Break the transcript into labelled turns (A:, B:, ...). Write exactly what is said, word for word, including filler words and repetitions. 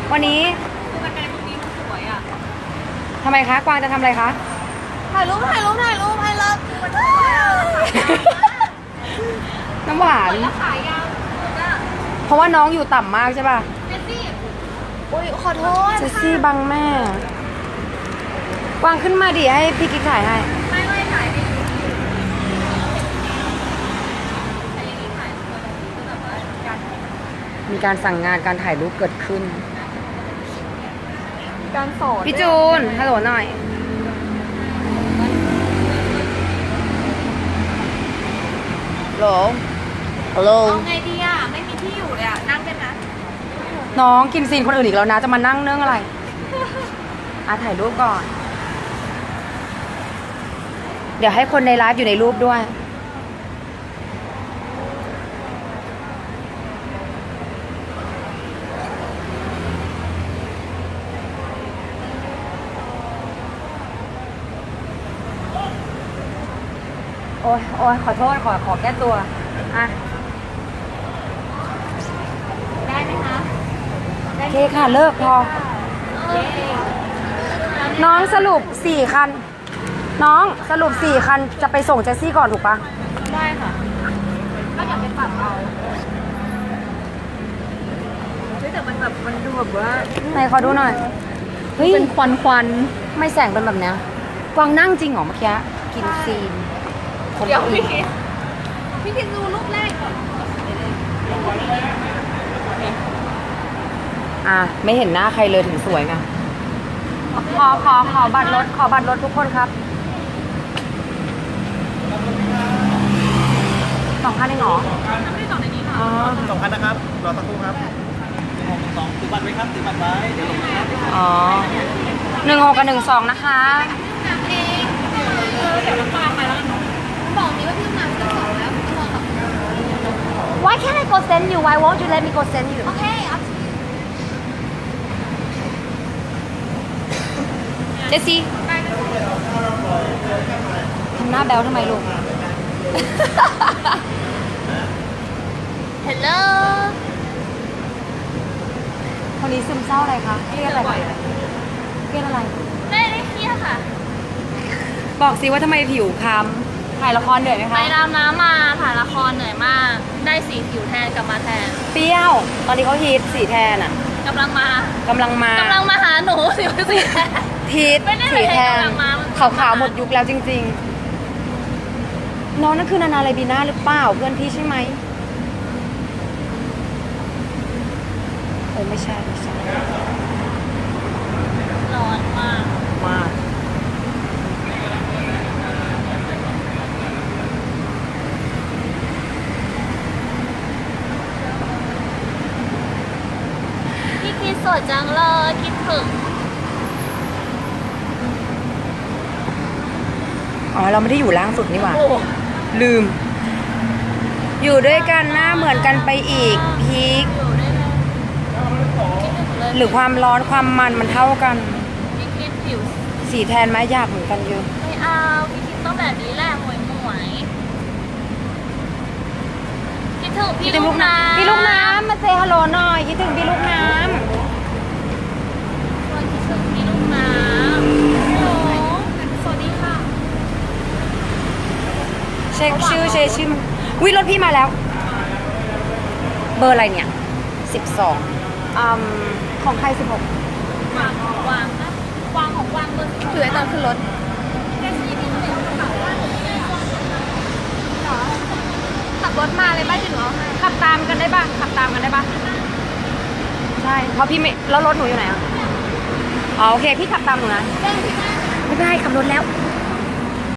A: วันนี้
B: คือมันเป็นตรงนี้มันสวยอ่ะ
A: ทำไมคะกวางจะทำอะไรคะ
B: ถ่ายรูปถ่ายรูปถ่ายรูปไอ้เลิฟมันสวยอ่ะ
A: น้ำหวาน
B: แล้วขายยาวอ่ะ
A: เพราะว่าน้องอยู่ต่ำมากใช่ป่ะ
B: เจสซี่อุ้ยขอโทษ
A: เจสซี่บังแม่กวางขึ้นมาดิให้พี่กิ๊กถ่ายให้
B: ไม่ไม่ถ่ายไม่
A: มีการสั่งงานการถ่ายรูปเกิดขึ้น
B: การสอน
A: พี่จูนฮัลโหลหน่อยฮัลโหลฮัลโหล
B: เอาไงดีอ่ะไม่มีที่อยู่เลยอ่ะนั่งกันนะ
A: น้องกินซีนคนอื่นอีกแล้วนะจะมานั่งเนื่องอะไรอ่ะถ่ายรูปก่อนเดี๋ยวให้คนในไลฟ์อยู่ในรูปด้วยโอ้ยโอ้ยขอโทษขอขอแก้ตัวอ่ะ
B: ได้ไหมคะ
A: โอเคค่ะเลิกพอน้องสรุปสี่คันน้องสรุปสี่คันจะไปส่งเจสซี่ก่อนถูกปะ
B: ได้ค่ะก็อยากไปปรับเอาเฮ้ยแต่มันแบบมันดูแบบว่า
A: ไหนขอดูหน่อยเฮ้ย
B: เป็นควันควัน
A: ไม่แสงเป็นแบบเนี้ยกวางนั่งจริงเหรอเมื่อกี้กินซีน
B: เดี๋ยวพี่คิดพี่คิดดูรูปแรกก่อน
A: อ่ะไม่เห็นหน้าใครเลยถึงสวยไงขอขอขอบัตรรถขอบัตรรถทุกคนครับสองพันเองเหรอ
B: ทำได้สองในนี้ค่ะ
C: สองพันนะครับรอสักครู่ครับหกสองถือบัตรไว้ครับถือบัตรไว้เดี๋ยว
A: อ๋อหนึ่งหกกับหนึ่งสองนะคะ
B: น้ำเองเดี๋ยวน้ำปลาไปแล้วบอกนี้ว่าพี่น้ำจะสองแล้วพี่มองแบบ
A: Why can't I go send you Why won't you let me go send you
B: โอเค
A: เจสซี่ทำหน้าแบ๊วทำไมลูก
B: Hello
A: คนนี้ซึมเศร้าอะไรคะเครียดอะไรเครียดอะไร
B: ไม่ได้เครียดค่ะ
A: บอกสิว่าทำไมผิวคล้ำถ่ายละครเหนื่อยไหมคะ
B: ไปดำน้ำมาถ่ายละครเหนื่อยมากได้สีผิวแทนกลับมาแทน
A: เปรี้ยวตอนนี้เขาฮิตสีแทนอ่ะ
B: กำลังมาก
A: ำลังมาก
B: ำลังมาหาหนูสิสีแทน
A: ฮิตสีแทนขาวๆหมดยุคแล้วจริงๆน้องนั่นคือนานาเลบีน่าหรือเปล่าเพื่อนพี่ใช่ไหมโอ้ไม่ใช่ไม่ใช่
B: ร้อนมาก
A: มาก
B: พี่คิดสดจังเลยคิดถึง
A: อ๋อเราไม่ได้อยู่ล่างสุดนี่หว่าลืมอยู่ด้วยกันหน้าเหมือนกันไปอีกพีคหรือความร้อนความมันมันเท่ากัน
B: พี่คิดผิว
A: สีแทนไหมยากเหมือนกันเยอะ
B: ไม่เอาพี่คิดต้องแบบนี้แหละหมวยหมวยคิดถึงพี่ลูกน้ำ
A: พี่ลูกน้ำมาเซฮัลโหลหน่อยคิดถึงพี่ลูกน้ำ
B: คิดถึงพี่ลูกน้ำฮัลโหลสวัสดีค่ะ
A: เช็คชื่อเช็คชื่อวิรถพี่มาแล้วเบอร์อะไรเนี่ยสิบสองอืมของใครสิบหก
B: วางวางนะวางของวางเบอร์ถือไว้ตอนขึ้นรถขับรถมาเลยบ้านจะหนู
A: ขับตามกันได้ป่ะขับตามกันได้ป่ะใช่เพราะพี่ไม่แล้วรถหนูอยู่ไหนอ่ะอ๋อโอเคพี่ขับตามหนูนะ
B: ได้
A: ไม่ได้ขับรถแล้ว